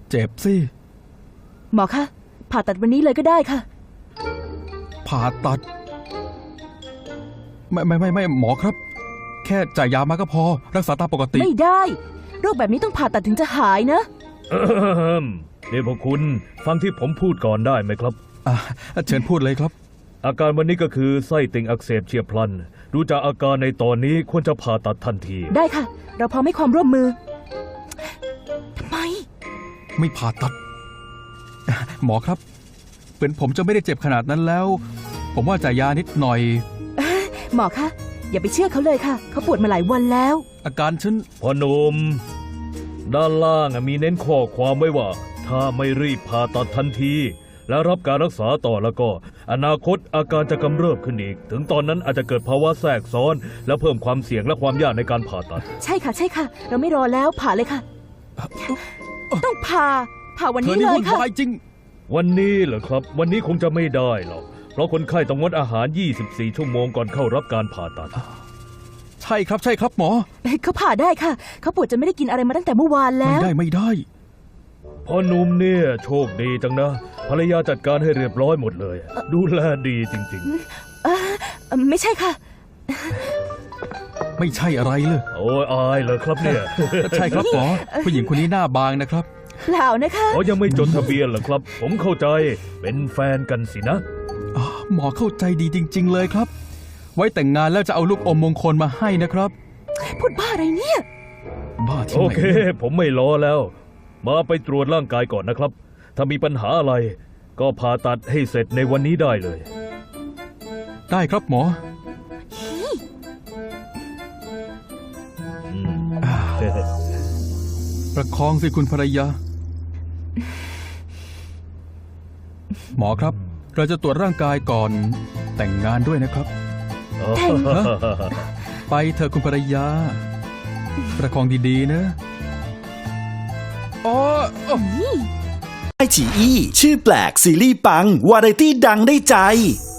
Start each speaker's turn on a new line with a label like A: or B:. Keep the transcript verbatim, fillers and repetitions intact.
A: เจ็บสิ
B: หมอคะผ่าตัดวันนี้เลยก็ได้ค่ะ
A: ผ่าตัด ไม่ไม่ไม่ไม่หมอครับ แค่จ่ายยามาก็พอรักษาตามปกติ
B: ไม่ได้โรคแบบนี้ต้องผ่าตัดถึงจะหายนะ
C: เดี๋ยวพวกคุณฟังที่ผมพูดก่อนได้ไหมครับ
A: อ่ะเชิญพูดเลยครับ
C: อาการวันนี้ก็คือไส้ติ่งอักเสบเฉียบพลันดูจากอาการในตอนนี้ควรจะผ่าตัดทันที
B: ได้ค่ะ เราพร้อมให้ความร่วมมือทำไม
A: ไม่ผ่าตัด หมอครับเป็นผมจะไม่ได้เจ็บขนาดนั้นแล้ว ผมว่าจ่ายยานิดหน่อย
B: หมอคะอย่าไปเชื่อเขาเลยค่ะ เขาปวดมาหลายวันแล้ว
A: อาการฉัน
C: พ่อหนุ่มด้านล่างมีเน้นข้อความไว้ว่า ถ้าไม่รีบผ่าตัดทันที และรับการรักษาต่อแล้วก็ อนาคตอาการจะกำเริบขึ้นอีก ถึงตอนนั้นอาจจะเกิดภาวะแทรกซ้อน และเพิ่มความเสี่ยงและความยากในการผ่าตัด
B: ใช่ค่ะใช่ค่ะ เราไม่รอแล้วผ่าเลยค่ะ ต้องผ่าผ่าวัน
A: เธอ
B: นี้
A: นี่
B: เลย
A: วุ่น
B: ค่ะ
A: วายจริง
C: วันนี้เหรอครับ วันนี้คงจะไม่ได้หรอกเพราะคนไข้ต้องงดอาหาร ยี่สิบสี่ ชั่วโมงก่อนเข้ารับการผ่าตัด
A: ใช่ครับใช่ครับหมอ
B: เขาผ่าได้ค่ะ เขาปวดจนไม่ได้กินอะไรมาตั้งแต่เมื่อวาน
A: ไม่
B: แล้ว
A: ได้ไม่ได้
C: พ่อหนุ่มเนี่ยโชคดีจังนะภรรยาจัดการให้เรียบร้อยหมดเลย ดูแลดีจริง
B: เอ่อไม่ใช่ค่ะ
A: ไม่ใช่อะไรเลย
C: ๆ โอ้ยอายเลยครับเนี่ย
A: ใช่ครับหมอ ผู้หญิงคนนี้หน้าบางนะครับ
B: เปล่านะคะ
C: เขายังไม่จดทะเบียนเหรอครับ ผมเข้าใจเป็นแฟนกันสินะ
A: อ๋อหมอเข้าใจดีจริง ๆ เลยครับ ไว้แต่งงานแล้วจะเอาลูกอมมงคลมาให้นะครับ
B: พูดบ้าอะไรเนี่ย
A: บ้าที่
C: โอ
A: ไหน
C: เค ผมไม่รอแล้ว มาไปตรวจร่างกายก่อนนะครับ ถ้ามีปัญหาอะไร ก็ผ่าตัดให้เสร็จในวันนี้ได้เลย
A: ได้ครับหมอ
C: อืม
A: ประคองสิคุณภรรยา หมอครับ เราจะตรวจร่างกายก่อนแต่งงานด้วยนะครับ
B: แต่ง
A: ไปเถอะคุณภรรยา ประคองดีๆนะอ๋อ
D: ไอฉีอี้ชื่อแปลกซีรีส์ปัง วาไรตี้ดังได้ใจ